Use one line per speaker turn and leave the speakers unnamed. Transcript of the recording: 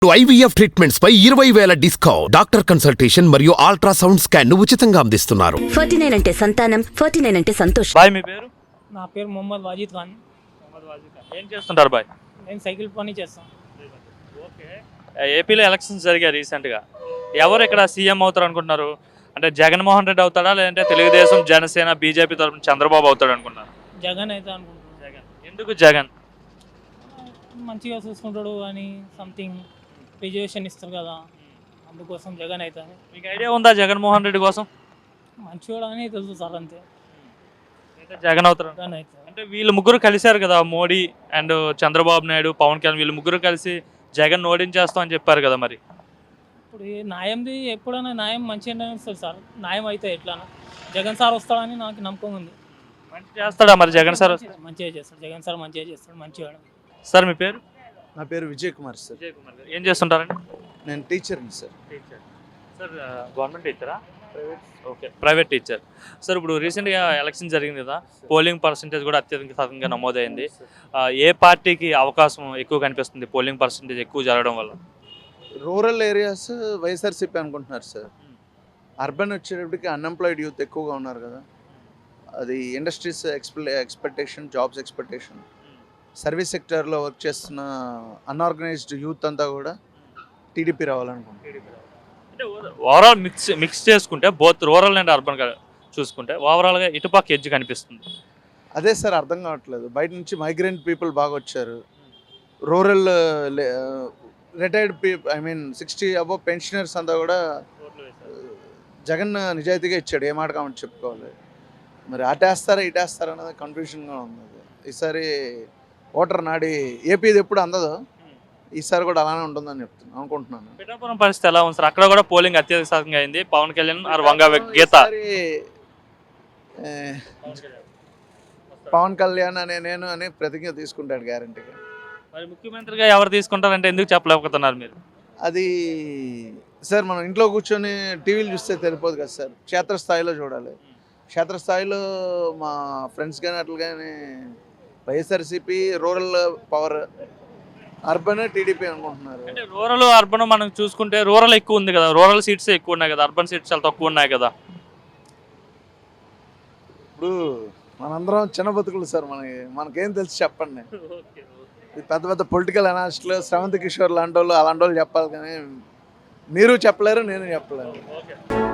IVF treatments పై 20,000 discount. Doctor consultation మరియు ultrasound scan ఉచితంగా అందిస్తున్నారు.
49 అంటే సంతానం, 49 అంటే సంతోషం.
బాయ్ మీ పేరు?
నా పేరు మొహమ్మద్ వాజిద్ ఖాన్.
ఏం చేస్తుంటారు బాయ్?
నేను సైకిల్ పని చేస్తాను.
ఓకే. ఏపీలో ఎలక్షన్స్ జరిగాయి రీసెంట్గా. ఎవరు ఇక్కడ సీఎం అవుతారు అనుకుంటున్నారు? అంటే జగన్మోహన్ రెడ్డి అవుతాడా, లేదంటే తెలుగుదేశం, జనసేన, బీజేపీ తరఫున చంద్రబాబు అవుతాడు అనుకుంటున్నారు?
జగన్ అయితే అనుకుంటున్నాను.
జగన్. ఎందుకు జగన్?
మంచిగా చూసుకుంటాడు అని సంథింగ్ రిజర్వేషన్ ఇస్తారు కదా, అందుకోసం జగన్ అవుతాను.
మీకు ఐడియా ఉందా జగన్మోహన్ రెడ్డి కోసం?
మంచివాడు అని తెలుసు సార్, అంతే.
అయితే జగన్ అవుతారు.
జగన్ అవుతాను.
అంటే వీళ్ళు ముగ్గురు కలిశారు కదా, మోడీ అండ్ చంద్రబాబు నాయుడు, పవన్ కళ్యాణ్, వీళ్ళు ముగ్గురు కలిసి జగన్ ఓడించేస్తాం అని చెప్పారు కదా. మరి
ఇప్పుడు ఈ న్యాయంది ఎప్పుడైనా న్యాయం మంచిగానే వస్తుంది సార్. న్యాయం అయితే ఎట్లానా జగన్ సార్ వస్తాడని నాకు నమ్మకం ఉంది.
మంచి చేస్తాడా మరి జగన్ సార్?
మంచిగా చేస్తాడు జగన్ సార్, మంచిగా చేస్తాడు, మంచివాడు.
సార్ మీ పేరు?
నా పేరు విజయ్ కుమార్ సార్.
విజయ్ కుమార్ గారు. ఏం చేస్తుంటారండి?
నేను టీచర్ని సార్.
టీచర్. సార్ గవర్నమెంట్ టీచరా? Okay, private teacher. సార్ ఇప్పుడు రీసెంట్గా ఎలక్షన్ జరిగింది కదా, పోలింగ్ పర్సంటేజ్ కూడా అత్యధిక శాతంగా నమోదైంది. ఏ పార్టీకి అవకాశం ఎక్కువ కనిపిస్తుంది పోలింగ్ పర్సంటేజ్ ఎక్కువ జరగడం వల్ల?
రూరల్ ఏరియాస్ వైఎస్ఆర్సీపీ అనుకుంటున్నారు సార్. అర్బన్ వచ్చేటప్పటికి అన్ఎంప్లాయిడ్ యూత్ ఎక్కువగా ఉన్నారు కదా, అది industries expectation, jobs expectation, service సెక్టర్లో వర్క్ చేస్తున్న అన్ఆర్గనైజ్డ్ యూత్ అంతా కూడా టీడీపీ రావాలనుకుంటున్నారు.
అంటే ఓవరాల్ మిక్స్ చేసుకుంటే బోత్ రూరల్ అండ్ అర్బన్ చూసుకుంటే ఓవరాల్గా ఇటుపక్క ఎడ్జ్ కనిపిస్తుంది.
అదే సార్ అర్థం కావట్లేదు. బయట నుంచి మైగ్రెంట్ పీపుల్ బాగా వచ్చారు. Rural retired people, 60 above pensioners అంతా కూడా జగన్ నిజాయితీగా ఇచ్చాడు, ఏ మాట కామెంట్ చెప్పుకోవాలి. మరి అటేస్తారా ఇటేస్తారా అనేది కన్ఫ్యూషన్గా ఉంది. ఈసారి ఓటర్ నాడి ఏపీది ఎప్పుడు అందదో, ఈసారి కూడా అలానే ఉంటుందని అనుకుంటున్నాను.
పిఠాపురం పరిస్థితి ఎలా ఉంది సార్? అక్కడ కూడా పోలింగ్ అత్యధిక శాతంగా అయింది. పవన్ కళ్యాణ్ ఆర్ వంగ గీత.
పవన్ కళ్యాణ్ అనే నేను అని ప్రతిజ్ఞ తీసుకుంటాడు గ్యారంటీగా.
మరి ముఖ్యమంత్రిగా ఎవరు తీసుకుంటారంటే ఎందుకు చెప్పలేకపోతున్నారు మీరు?
అది సార్ మనం ఇంట్లో కూర్చొని టీవీలు చూస్తే తెలిపోదు కదా సార్, క్షేత్రస్థాయిలో చూడాలి. క్షేత్రస్థాయిలో మా ఫ్రెండ్స్ కానీ అట్లా కానీ YSRCP, rural power, urban TDP అనుకుంటున్నారు.
అంటే రూరల్ అర్బన్ మనం చూసుకుంటే రూరల్ ఎక్కువ ఉంది కదా, రూరల్ సీట్స్ ఎక్కువ ఉన్నాయి కదా, అర్బన్ సీట్స్ చాలా తక్కువ ఉన్నాయి కదా.
ఇప్పుడు మనందరం చిన్న బతుకులు సార్, మనకేం తెలుసు చెప్పండి. పెద్ద పెద్ద పొలిటికల్ అనాలిస్టులు, శ్రవంత్ కిషోర్ లాంటి వాళ్ళు, అలాంటి వాళ్ళు చెప్పాలి, కానీ మీరు చెప్పలేరు, నేను చెప్పలేను.